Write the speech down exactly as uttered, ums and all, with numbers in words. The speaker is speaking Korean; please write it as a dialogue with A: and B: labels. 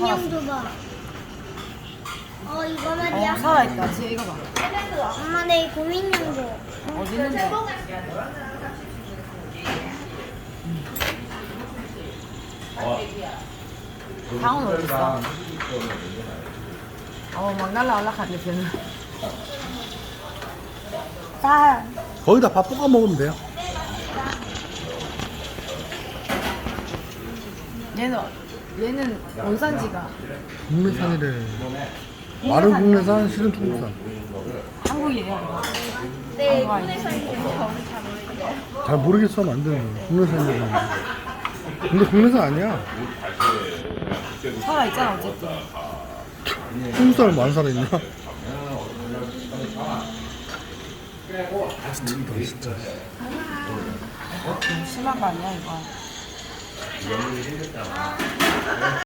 A: 인형도 봐. 어 이거 말이야.
B: 어, 살아있다. 지금 이거 봐.
A: 엄마 내 곰인형도.
B: 어디 있는데? 방은 어디 있어? 어, 막 날라올라가네, 쟤는.
A: 자,
C: 거기다 밥 볶아 먹으면 돼요.
B: 얘는, 얘는 원산지가
C: 국내산이래. 마른 국내산, 실은 중국산.
B: 한국이에요.
A: 네,
B: 아,
A: 국내에서 있는 저는 잘 모르겠어요.
C: 잘 모르겠어 하면 안 되는 거야. 국내산이라고. 근데 국내산 아니야.
B: 살아있잖아, 어쨌든.
C: 한국 사람 많은 사람 있냐? 진짜.
B: 너무 심한 거 아니야, 이거?